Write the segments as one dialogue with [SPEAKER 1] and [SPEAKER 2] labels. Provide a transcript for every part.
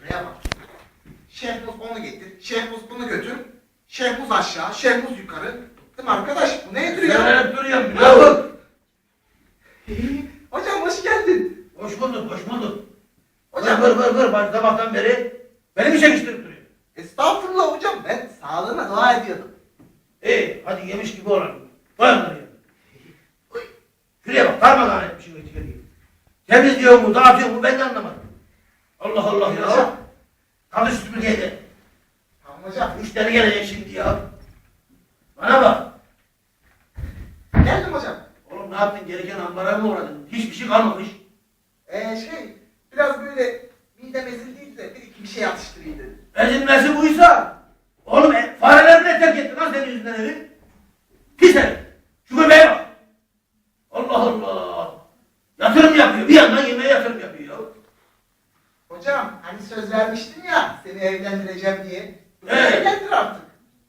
[SPEAKER 1] Şuraya bak. Şehmuz onu getir, Şehmuz bunu götür. Şehmuz aşağı, Şehmuz yukarı. Değil mi arkadaş? Bu nedir ya?
[SPEAKER 2] Söyleyip duruyorum biliyor.
[SPEAKER 1] Hocam hoş geldin.
[SPEAKER 2] Hoş bulduk, hoş bulduk.
[SPEAKER 1] Hocam.
[SPEAKER 2] Vır. Bak sabahtan beri beni mi çekiştirip duruyor?
[SPEAKER 1] Estağfurullah hocam. Ben sağlığına dua ediyordum.
[SPEAKER 2] İyi, hadi yemiş gibi olalım. Koy onları ya. Şuraya bak, darmadağın etmişim etiketi. Temizliyor mu, dağıtıyor mu ben de anlamadım. Allah Allah ya.
[SPEAKER 1] Hocam.
[SPEAKER 2] Kalış süpürgeyle.
[SPEAKER 1] Tamam hocam.
[SPEAKER 2] Müşteri gelecek şimdi ya. Bana bak.
[SPEAKER 1] Geldim hocam.
[SPEAKER 2] Oğlum ne yaptın? Gereken ambara mı uğradın? Hiçbir şey kalmamış.
[SPEAKER 1] Biraz böyle midem ezildiydi de bir iki bir şey atıştırayım dedim.
[SPEAKER 2] Ezilmesi buysa. Oğlum fareler bile terk etti lan senin yüzünden evi. Pis herif. Şu göbeğe bak. Allah Allah. Yatırım yapıyor. Bir yandan yemeğe yatırım yapıyor ya.
[SPEAKER 1] Hocam hani söz vermiştin ya seni evlendireceğim diye.
[SPEAKER 2] Evet.
[SPEAKER 1] Evlendir artık.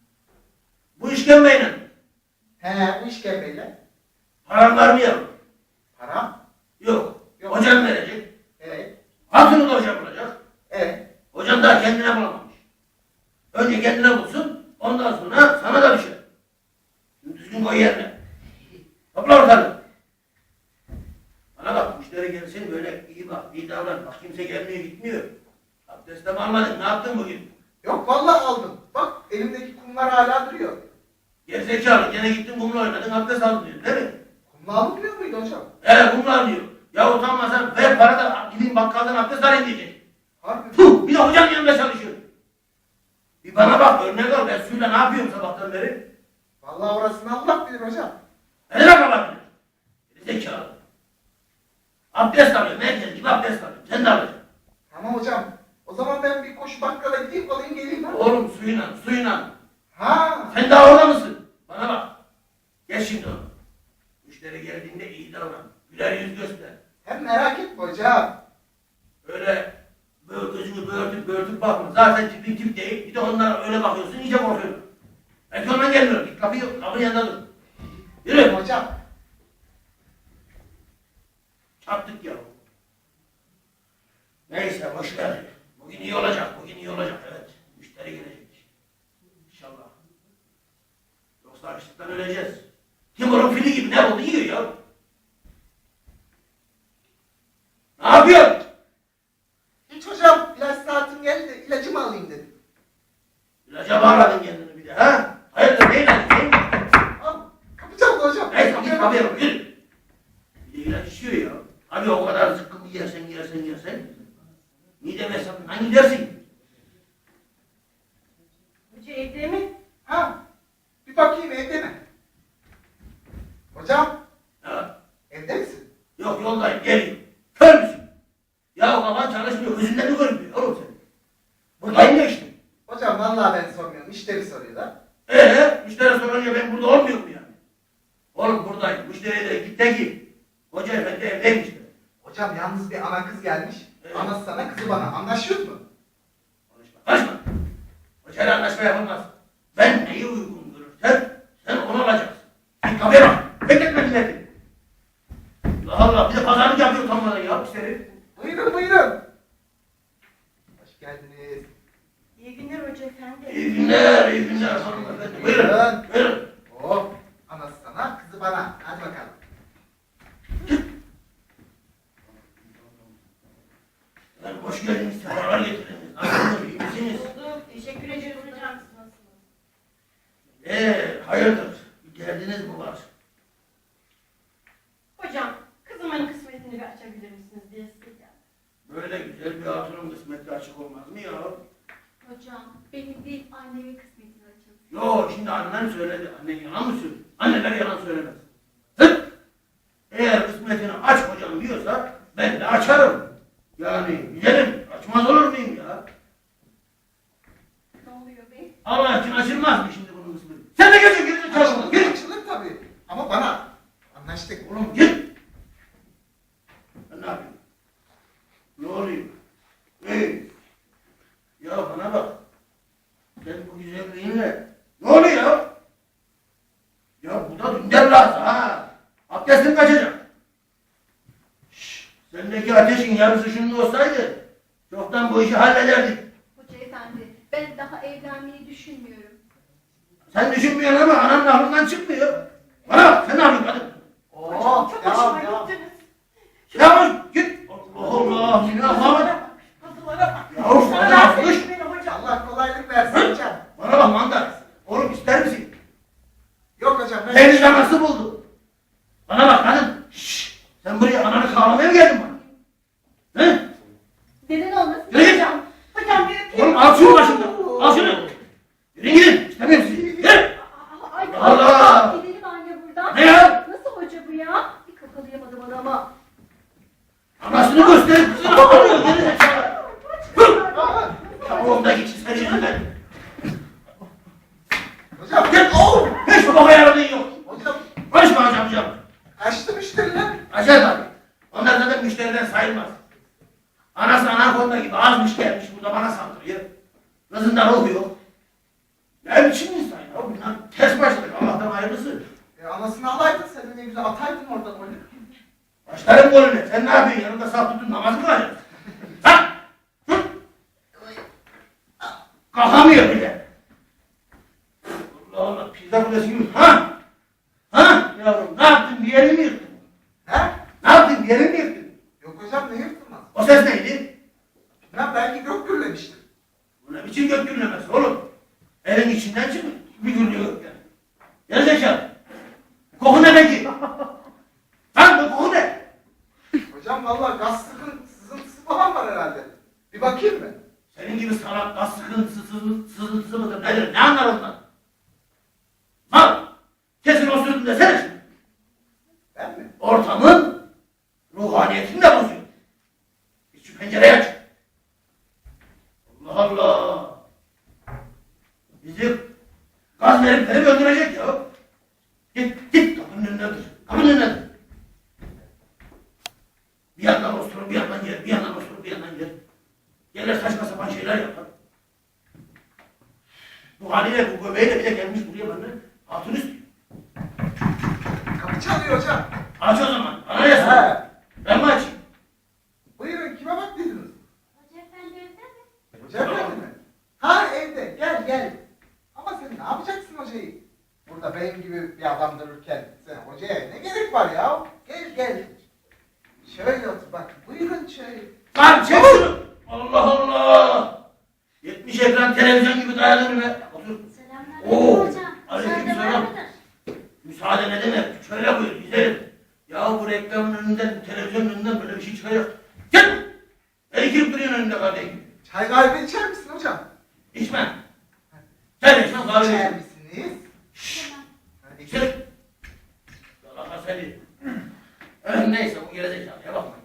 [SPEAKER 2] Bu işkembeyle.
[SPEAKER 1] He bu işkembeyle.
[SPEAKER 2] Param var mı yavrum?
[SPEAKER 1] Param.
[SPEAKER 2] Yok.
[SPEAKER 1] Yok.
[SPEAKER 2] Hocam verecek.
[SPEAKER 1] Evet.
[SPEAKER 2] Hatunu da hocam bulacak.
[SPEAKER 1] Evet.
[SPEAKER 2] Hocam daha kendine bulamamış. Önce kendine bulsun. Ondan sonra sana da düşer. Düzgün koy yerine. Topla ortalığı. Bana bak müşteri gelsin böyle iyi bak, iyi davran. Bak kimse gelmiyor gitmiyor. Abdestle mi almadın? Ne yaptın bugün?
[SPEAKER 1] Yok vallahi aldım. Bak elimdeki kumlar hala duruyor.
[SPEAKER 2] Gerizekalı gene gittin kumla oynadın abdest aldın diyor değil mi?
[SPEAKER 1] Kumla alınmıyor muydu hocam?
[SPEAKER 2] Kumla alıyor. Ya utanmasan ver para da gidin bakkaldan abdest alayım diyecek.
[SPEAKER 1] Harbi.
[SPEAKER 2] Puh bir de hocanın yanında çalışıyor. Bir bana bak örnek al ben suyla ne yapıyorum sabahtan beri?
[SPEAKER 1] Vallahi orasını Allah bilir hocam.
[SPEAKER 2] Ne demek olabilir? Gerizekalı. Abdest alıyorum herkes gibi abdest alıyorum. Sen de alacaksın.
[SPEAKER 1] Tamam hocam. O zaman ben bir koşu bakkala gideyim alayım geleyim ha.
[SPEAKER 2] Oğlum suyla.
[SPEAKER 1] Ha.
[SPEAKER 2] Sen daha orada mısın? Bana bak. Geç şimdi onu. Müşteri geldiğinde iyi davran. Güler yüz göster.
[SPEAKER 1] Hem merak etme hocam.
[SPEAKER 2] Öyle böyle gözünü böğürtüp bakma. Zaten tipin tip değil. Bir de onlara öyle bakıyorsun iyice korkuyorsun. Belki ondan gelmiyor. Git kapının yanında dur. Yürü.
[SPEAKER 1] Hocam.
[SPEAKER 2] Çarptık ya. Neyse boş ver. Bugün iyi olacak. Evet. Müşteri gelecek. İnşallah. Yoksa açlıktan öleceğiz. Timur'un fili gibi ne oldu yiyor ya. Ne yapıyorsun?
[SPEAKER 1] Hiç hocam ilaç saatim geldi de ilacımı alayım dedim.
[SPEAKER 2] İlaca bağladın kendini bir de ha? Hayırdır ne ilacı?
[SPEAKER 1] Al. Kapacağım da hocam.
[SPEAKER 2] Neyse git kapıya bak yürü. Bir de ilaç içiyor ya. Abi o kadar zıkkımı yersen. Midem hesabından gidersin.
[SPEAKER 3] Hoca evde mi?
[SPEAKER 1] Ha. Bir bakayım evde mi? Hocam.
[SPEAKER 2] Ha.
[SPEAKER 1] Evde misin?
[SPEAKER 2] Yok yoldayım geliyorum. Kör müsün? Ya kafan çalışmıyor. Gözünden mi görünmüyor oğlum sen? Buradayım ya işte.
[SPEAKER 1] Hocam vallahi ben sormuyorum. Müşteri soruyor da.
[SPEAKER 2] Müşteri sorunca ben burada olmuyor mu yani? Oğlum buradayım. Müşteriye de git de ki. Hoca efendi evdeymiş de.
[SPEAKER 1] Hocam yalnız bir ana kız gelmiş. Anası sana kızı bana. Anlaşıyoruz mu?
[SPEAKER 2] Konuşma. Hocayla anlaşma yapılmaz. Ben neyi uygun görürsem sen onu alacaksın. Git kapıya bak. Bekletme milleti. Allah Allah bir de pazarlık yapıyor utanmadan ya müşteri.
[SPEAKER 1] Buyurun. Hoş geldiniz.
[SPEAKER 3] İyi günler hoca efendi.
[SPEAKER 2] İyi günler hanımefendi. Buyurun.
[SPEAKER 1] Oh. Anası sana kızı bana. Hadi bakalım.
[SPEAKER 2] Hoş geldiniz. Sefalar getirdiniz. Nasılsınız? İyi misiniz?
[SPEAKER 3] Bulduk. Teşekkür ederiz hocam. Siz nasılsınız?
[SPEAKER 2] Hayırdır? Bir derdiniz mi var?
[SPEAKER 3] Hocam kızımın kısmetini bir açabilir misiniz diye size geldim.
[SPEAKER 2] Böyle güzel bir hatunun kısmeti açık olmaz mı ya?
[SPEAKER 4] Hocam, benim değil annemin kısmetini açın.
[SPEAKER 2] Yo şimdi annen söyledi. Annen yalan mı söylüyor? Anneler yalan söylemez. Hıt! Eğer kısmetini aç hocam diyorsa ben de açarım. Yani güzelim açmaz olur muyum ya?
[SPEAKER 4] Ne oluyor bey?
[SPEAKER 2] Allah için açılmaz mı şimdi bunun kısmeti? Sen de gidin çalın. Gidin.
[SPEAKER 1] Açılır tabii. Ama bana. Anlaştık.
[SPEAKER 2] Oğlum git. Ben ne yapayım? Ne oluyor? Ya bana bak. Sen bu güzelliğinle ne oluyor ya? Ya bu da dünden lazım ha. Abdestin kaçacak. Şşş. Sendeki ateşin yarısı şunun olsaydı Çoktan bu işi hallederdik.
[SPEAKER 4] Hoca efendi, ben daha evlenmeyi düşünmüyorum.
[SPEAKER 2] Sen düşünmüyorsun ama ananın aklından çıkmıyor. Bana bak, sen ne yapıyorsun kadın?
[SPEAKER 1] Oo,
[SPEAKER 3] Çok
[SPEAKER 1] devam,
[SPEAKER 3] hoşuma
[SPEAKER 1] devam.
[SPEAKER 3] gittiniz.
[SPEAKER 2] Ya git. Allah Allah, seni Allah'ım.
[SPEAKER 3] Kapılara bak.
[SPEAKER 2] Ya of,
[SPEAKER 3] Sana
[SPEAKER 2] hadi
[SPEAKER 3] rahatsız
[SPEAKER 2] yapmış.
[SPEAKER 3] etmeyin hocam.
[SPEAKER 1] Allah kolaylık versin hocam.
[SPEAKER 2] Bana bak mandar. Oğlum ister misin?
[SPEAKER 1] Yok hocam ben...
[SPEAKER 2] Deniz anası buldu. Bana bak kadın. Şşş. Sen buraya ananı kağlamaya mı geldin bana? He?
[SPEAKER 4] Neden olmasın
[SPEAKER 2] Yürü git.
[SPEAKER 4] hocam?
[SPEAKER 3] Hocam bir öpeyim.
[SPEAKER 2] Oğlum al şunu başımdan. Al şunu. Yürü gidin. İstemiyorum sizi. Yürü.
[SPEAKER 4] Ay,
[SPEAKER 2] Allah!
[SPEAKER 4] Gidelim anne buradan.
[SPEAKER 2] Ne ya?
[SPEAKER 4] Nasıl hoca bu ya? Bir kakalayamadım adama.
[SPEAKER 2] Anasını gösterip kızını alıyor. Geri zekalı. Hı. Ya oğlum da geçin senin yüzünden.
[SPEAKER 1] Hocam,
[SPEAKER 2] Git. Hiç baba yaradığın yok.
[SPEAKER 1] hocam
[SPEAKER 2] Konuşma hocam.
[SPEAKER 1] kaçtı müşteriler.
[SPEAKER 2] Acayip abi. Onlar zaten müşteriden sayılmaz. Anası anakonda gibi azmış gelmiş burada bana saldırıyor. Kızından oluyor. Ne biçim insan ya? Bunlar ters başladık. Allah'tan hayırlısı.
[SPEAKER 1] Anasını alaydın sen de ne güzel ataydın oradan golü.
[SPEAKER 2] Başlarım golüne. Sen ne yapıyorsun? Yanımda saf tutun namaz mı kılacaksın? Ha? Hı? Kalkamıyor bile. Allah Allah. Pizza kulesi gibi. Ha? Ha? Yavrum ne yaptın? Bir yerini mi yıktın?
[SPEAKER 1] He?
[SPEAKER 2] Ne yaptın? Bir yerini mi yıktın?
[SPEAKER 1] Yok hocam ne yırtılmaz.
[SPEAKER 2] O ses neydi?
[SPEAKER 1] Ben belki gök gürlemiştir.
[SPEAKER 2] Bu ne biçim gök gürlemesi oğlum? Evin içinden çıkmış. Bir gürlüyor gökten. Gerizekalı. Koku ne peki? Lan bu koku ne?
[SPEAKER 1] Hocam vallahi gaz sızıntısı falan var herhalde. Bir bakayım mı?
[SPEAKER 2] Senin gibi salak gaz sıkıntısı, sızıntısı mıdır nedir? Ne anlar ondan? Mal! Kesin osurdun desene şimdi.
[SPEAKER 1] Ben mi?
[SPEAKER 2] Ortamın ruhaniyetini de bozuyor. Git şu pencereyi aç. Allah Allah! Bizi gaz verip öldürecek ya. Git kapının önüne dur. Kapının önüne dur. Bir yandan osturur, bir yandan yer, bir yandan osturur, bir yandan yer. Gelir saçma sapan şeyler yapar. Bu haliyle, bu göbeğiyle bir de gelmiş buraya bana hatun istiyor.
[SPEAKER 1] Kapı çalıyor hocam.
[SPEAKER 2] Aç o zaman. Bana ne sen?
[SPEAKER 1] He.
[SPEAKER 2] Ben mi açayım?
[SPEAKER 1] Buyurun kime baktıydınız?
[SPEAKER 4] Hoca efendi evde mi?
[SPEAKER 1] Hoca efendi mi? Ha evde gel gel. Ama sen ne yapacaksın hocayı? Burada benim gibi bir adam dururken sen hocaya ne gerek var ya? Gel gel. Şöyle otur bak. Buyurun şöyle.
[SPEAKER 2] Lan çek şunu! Allah Allah! 70 ekran televizyon gibi dayalı önüme. Otur. Oo,
[SPEAKER 4] Selamünaleyküm hocam.
[SPEAKER 2] aleykümselam.
[SPEAKER 4] Müsaade var mıdır?
[SPEAKER 2] Müsaade ne demek? Şöyle buyur, gidelim. Ya bu reklamın önünden, televizyonun önünden böyle bir şey çıkacak. Gel! Beni girip duruyorsun önünde kardeşim.
[SPEAKER 1] Çay kahve içer misin hocam?
[SPEAKER 2] İçmem. Sen içmem kahve
[SPEAKER 1] İçer
[SPEAKER 2] içmem.
[SPEAKER 1] misiniz?
[SPEAKER 4] Tamam.
[SPEAKER 1] Hadi
[SPEAKER 2] İçer. Yalaka seni. Neyse bu gerizekalıya bakmayın.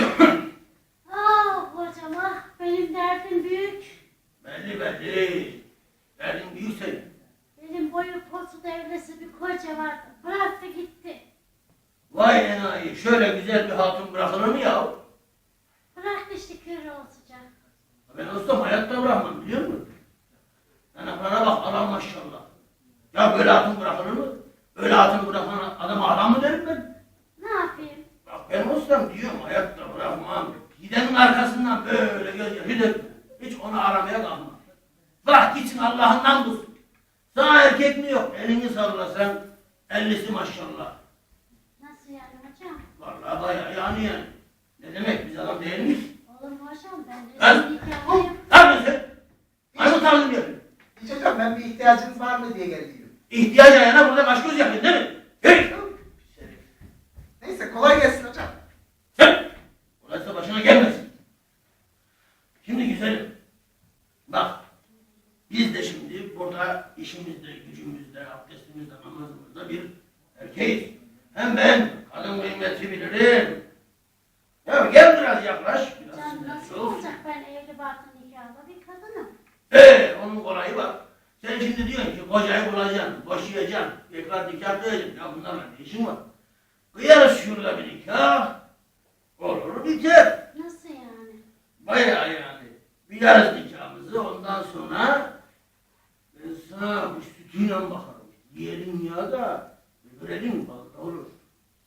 [SPEAKER 4] Ah hocam ah, benim derdim büyük.
[SPEAKER 2] Belli belli. Derdin büyük senin.
[SPEAKER 4] Benim boyu postu devlesi bir koca vardı. Bıraktı gitti.
[SPEAKER 2] Vay enayi, şöyle güzel bir hatun bırakılır mı ya?
[SPEAKER 4] Bıraktı işte kör olacak.
[SPEAKER 2] Ben olsam hayatta bırakmam biliyor musun? Yanaklarına bak adam maşallah. Ya böyle hatun bırakılır mı? Öyle hatun bırakan adama adam mı derim ben?
[SPEAKER 4] Ne yapayım?
[SPEAKER 2] Bak ben olsam diyorum hayatta bırakmam. Gidenin arkasından böyle göz yaşı dökme. Hiç onu aramaya kalma. Bırak gitsin Allah'ından bulsun. Sana erkek mi yok? Elini sallasan 50'si maşallah.
[SPEAKER 4] Nasıl yani hocam?
[SPEAKER 2] Vallahi bayağı yani. Ne demek biz adam değil miyiz?
[SPEAKER 4] Olur mu hocam? Ben
[SPEAKER 2] Ben-
[SPEAKER 4] resmi nikahlıyım.
[SPEAKER 2] Ne yapıyorsun sen? Maymun tarzı yapıyorsun.
[SPEAKER 1] Hiç hocam ben bir ihtiyacınız var mı diye geldiydim.
[SPEAKER 2] İhtiyaç ayağına burada baş göz yapıyorsun değil mi? Hey!
[SPEAKER 1] Neyse kolay gelsin hocam.
[SPEAKER 2] Sen! Orası başına gelmesin. Şimdi güzelim. Bak. Biz de şimdi burada işimizde, gücümüzde, abdestimizde, namazımızda bir erkeğiz. Hem ben kadın kıymeti bilirim. Ya gel biraz yaklaş. Biraz
[SPEAKER 4] Hocam
[SPEAKER 2] sinirli
[SPEAKER 4] nasıl
[SPEAKER 2] ol.
[SPEAKER 4] olacak ben evli barklı nikahlı bir kadınım.
[SPEAKER 2] Onun kolayı var. Sen şimdi diyorsun ki kocayı bulacaksın, boşayacaksın, tekrar nikah kıyacaksın. Ya bunlarla ne işin var? Kıyarız şurada bir nikah. Olur biter.
[SPEAKER 4] Nasıl yani?
[SPEAKER 2] Bayağı yani. Kıyarız nikahımızı ondan sonra ben sana bu sütüyle bakarım. Diyelim ya da görelim vallahi olur.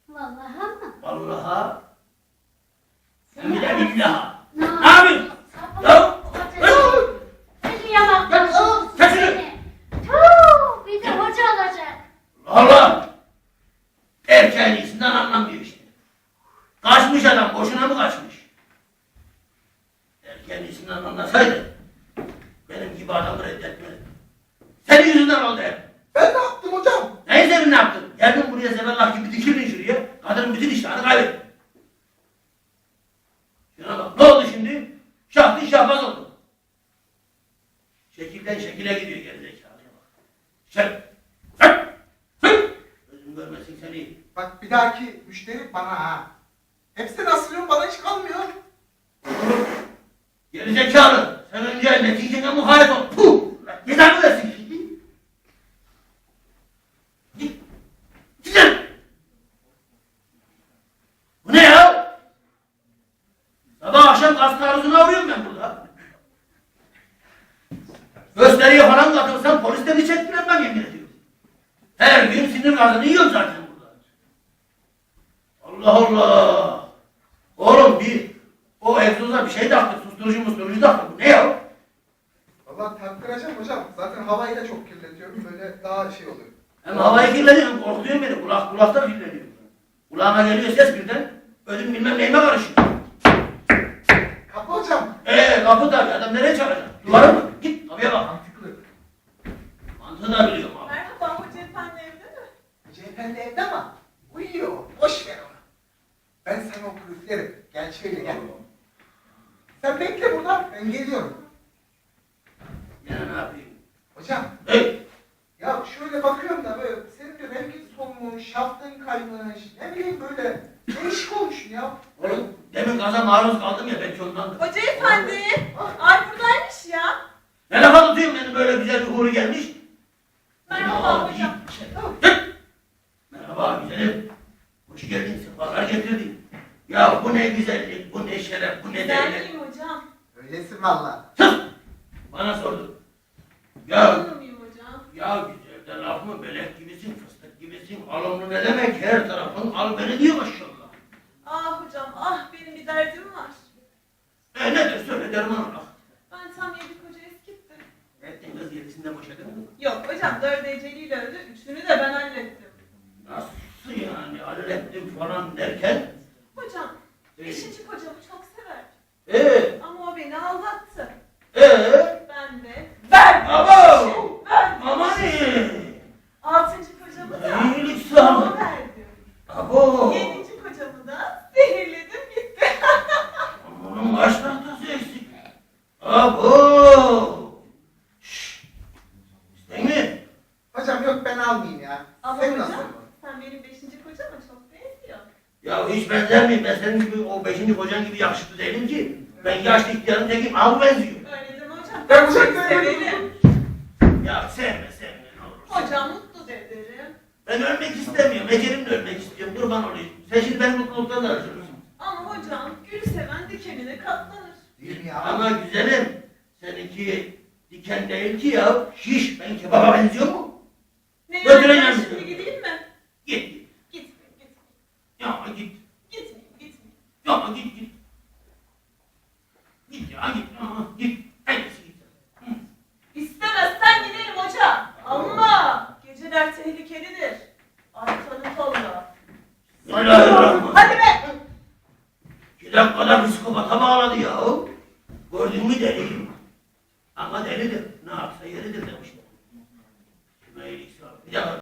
[SPEAKER 4] Vallahi mı?
[SPEAKER 2] Vallahi.
[SPEAKER 4] Sen
[SPEAKER 2] Hem de billaha.
[SPEAKER 4] Ne
[SPEAKER 2] Ne yapıyorsun?
[SPEAKER 4] Sabah
[SPEAKER 2] başına mı kaçmış? Eğer kendisinden anlasaydı benim gibi adamı reddetmezdi. Senin yüzünden oldu hep.
[SPEAKER 1] Ben ne yaptım hocam?
[SPEAKER 2] Neyi senin ne yaptın? Geldin buraya zeballah gibi dikildin şuraya. Kadının bütün iştahını kaybettin. Şuna bak, ne oldu şimdi? Şahtın şahbaz oldu. Şekilden şekile gidiyor gerizekalıya bak. Gözüm görmesin seni.
[SPEAKER 1] Bak bir dahaki müşteri bana ha. Hepsini asılıyorum, bana hiç kalmıyor.
[SPEAKER 2] Gerizekalı. Sen önce neticene muhalefet ol. Puh! Cezanı versin. Git. Gidin. Bu ne ya? Sabah akşam gaz taarruzuna uğruyorum ben burada. Gösteriye falan katılsam polisle bir çektiremem yemin ediyorum. Her gün sinir gazını yiyorum zaten burada. Allah Allah. Oğlum o egzoza bir şey taktı, susturucu taktı. Bu ne ya?
[SPEAKER 1] Vallahi taktıracağım hocam. Zaten havayı da çok kirletiyorum. Böyle daha şey oluyor.
[SPEAKER 2] Hem havayı kirletiyorum, korkutuyor beni. Kulakta kirleniyor. Kulağıma geliyor ses birden. Ödüm bilmem neyime karışıyor.
[SPEAKER 1] Kapı hocam.
[SPEAKER 2] Kapı tabii. Adam nereye çalacak? Duvara mı? Git kapıya bak.
[SPEAKER 1] Mantıklı.
[SPEAKER 2] Mantığını da biliyorum abi.
[SPEAKER 3] Merhaba, Hoca Efendi evde mi?
[SPEAKER 1] Hoca efendi evde ama uyuyor. Boş ver onu. Ben sana okul üflerim. Gel şöyle gel. Sen bekle burada. Ben geliyorum.
[SPEAKER 2] Yine ne yapayım?
[SPEAKER 1] Hocam.
[SPEAKER 2] Hey!
[SPEAKER 1] Ya şöyle bakıyorum da böyle senin de rengin solmuş, şaftın kaymış, ne bileyim böyle değişik olmuşsun ya.
[SPEAKER 2] Oğlum demin gaza maruz kaldım ya belki ondandır.
[SPEAKER 3] Hoca Efendi, ay buradaymış ya.
[SPEAKER 2] Ne lafa tutuyorsun beni böyle güzel bir uğru gelmiş?
[SPEAKER 3] Merhaba
[SPEAKER 2] Git.
[SPEAKER 3] hocam.
[SPEAKER 2] Git. Merhaba güzelim. Hoş geldin, sefalar getirdin. Ya bu ne güzellik, bu ne şeref, bu ne
[SPEAKER 3] Ben
[SPEAKER 2] değerlik.
[SPEAKER 3] miyim hocam?
[SPEAKER 1] Öylesin valla.
[SPEAKER 2] Sus! Bana sordun. Ya
[SPEAKER 3] Olur muyum hocam?
[SPEAKER 2] Ya güzel de laf mı? Melek gibisin, fıstık gibisin. Alımlı ne demek? Her tarafın al beni diyor maşallah.
[SPEAKER 3] Ah hocam, ah benim bir derdim var.
[SPEAKER 2] Nedir söyle derman Allah.
[SPEAKER 3] Ben tam 7 koca eskittim.
[SPEAKER 2] Ettin kız yedisinde boşadın mı?
[SPEAKER 3] Yok hocam, 4 eceliyle öldü, 3'ünü de ben hallettim.
[SPEAKER 2] Nasıl yani? Hallettim falan derken?
[SPEAKER 3] Hocam, 5. kocamı çok severdim. Ama o beni aldattı. Ben de verdim.
[SPEAKER 2] Abo!
[SPEAKER 3] Verdim.
[SPEAKER 2] Aman iyi!
[SPEAKER 3] 6. kocamı da
[SPEAKER 2] İyilik sağ ol.
[SPEAKER 3] ona verdim.
[SPEAKER 2] Abo!
[SPEAKER 3] 7. kocamı da zehirledim gitti.
[SPEAKER 2] Bunun kaç tahtası eksik? Abo! Şşş! İsteyim mi?
[SPEAKER 1] Hocam yok ben almayayım ya.
[SPEAKER 3] Ama
[SPEAKER 1] Sen
[SPEAKER 3] hocam,
[SPEAKER 1] nasıl?
[SPEAKER 3] sen benim 5. kocama çok benziyor.
[SPEAKER 2] Ya hiç benzer miyim? Ben senin gibi o 5. kocan gibi yakışıklı değilim ki. Ben yaşlı ihtiyarın tekiyim. Al benziyor.
[SPEAKER 3] Öyle deme hocam.
[SPEAKER 1] Ben
[SPEAKER 3] çok
[SPEAKER 1] hocam
[SPEAKER 3] severim.
[SPEAKER 2] Ya sevme ne olur.
[SPEAKER 3] Hocam mutlu da ederim.
[SPEAKER 2] Ben ölmek istemiyorum. Ecelimle ölmek istiyorum. Kurban olayım. Sen şimdi benim mutluluktan da harcıyorsun.
[SPEAKER 3] Ama hocam, gülü seven dikenine katlanır.
[SPEAKER 1] Değil mi ya?
[SPEAKER 2] Ama güzelim. Seninki diken değil ki ya. Şiş. Ben kebaba benziyor mu?
[SPEAKER 3] Ne
[SPEAKER 2] Götüreceğim
[SPEAKER 3] yani, ben
[SPEAKER 2] sizi.
[SPEAKER 3] şimdi gideyim mi?
[SPEAKER 2] Git.
[SPEAKER 3] Gitmeyeyim, gitmeyeyim.
[SPEAKER 2] Ya git.
[SPEAKER 3] Gitmeyeyim.
[SPEAKER 2] Ya git. Git ya git. Git. Hangisi git? Hı.
[SPEAKER 3] İstemezsen giderim hoca. Ama geceler tehlikelidir. Arkanı kolla.
[SPEAKER 2] Bismillahirrahmanirrahim.
[SPEAKER 3] Hadi be!
[SPEAKER 2] 2 dakikada psikopata bağladı ya. Gördün mü deli? Ama delidir. Ne yapsa yeridir demişler. Kime iyilik sağlık. Bir dakika.